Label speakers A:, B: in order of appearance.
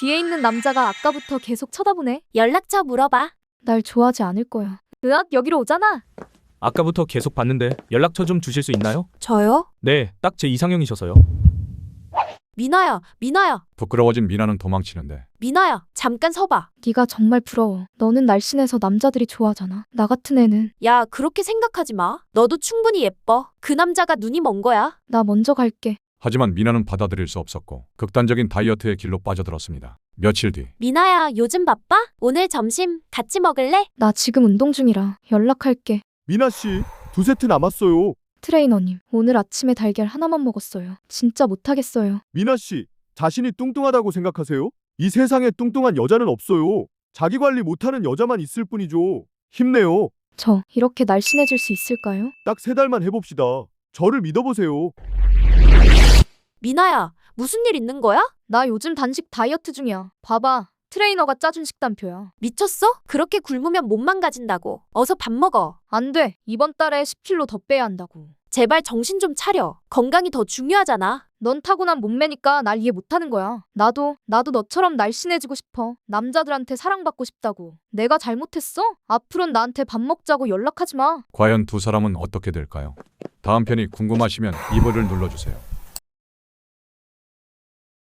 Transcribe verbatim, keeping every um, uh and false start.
A: 뒤에 있는 남자가 아까부터 계속 쳐다보네.
B: 연락처 물어봐.
A: 날 좋아하지 않을 거야. 으악, 여기로 오잖아.
C: 아까부터 계속 봤는데 연락처 좀 주실 수 있나요?
B: 저요?
C: 네, 딱 제 이상형이셔서요.
B: 미나야, 미나야,
D: 부끄러워진 미나는 도망치는데
B: 미나야, 잠깐 서봐.
A: 네가 정말 부러워. 너는 날씬해서 남자들이 좋아하잖아. 나 같은 애는.
B: 야, 그렇게 생각하지 마. 너도 충분히 예뻐. 그 남자가 눈이 먼 거야.
A: 나 먼저 갈게.
D: 하지만 미나는 받아들일 수 없었고 극단적인 다이어트의 길로 빠져들었습니다. 며칠 뒤
B: 미나야, 요즘 바빠? 오늘 점심 같이 먹을래?
A: 나 지금 운동 중이라 연락할게.
E: 미나 씨, 두 세트 남았어요.
A: 트레이너님, 오늘 아침에 달걀 하나만 먹었어요. 진짜 못하겠어요.
E: 미나 씨, 자신이 뚱뚱하다고 생각하세요? 이 세상에 뚱뚱한 여자는 없어요. 자기 관리 못하는 여자만 있을 뿐이죠. 힘내요.
A: 저 이렇게 날씬해질 수 있을까요?
E: 딱 세 달만 해봅시다. 저를 믿어보세요.
B: 미나야, 무슨 일 있는 거야?
A: 나 요즘 단식 다이어트 중이야. 봐봐. 트레이너가 짜준 식단표야.
B: 미쳤어? 그렇게 굶으면 못 망가진다고. 어서 밥 먹어.
A: 안 돼. 이번 달에 십 킬로그램 더 빼야 한다고.
B: 제발 정신 좀 차려. 건강이 더 중요하잖아.
A: 넌 타고난 몸매니까 날 이해 못하는 거야. 나도 나도 너처럼 날씬해지고 싶어. 남자들한테 사랑받고 싶다고. 내가 잘못했어? 앞으론 나한테 밥 먹자고 연락하지 마.
D: 과연 두 사람은 어떻게 될까요? 다음 편이 궁금하시면 이 버를 눌러주세요.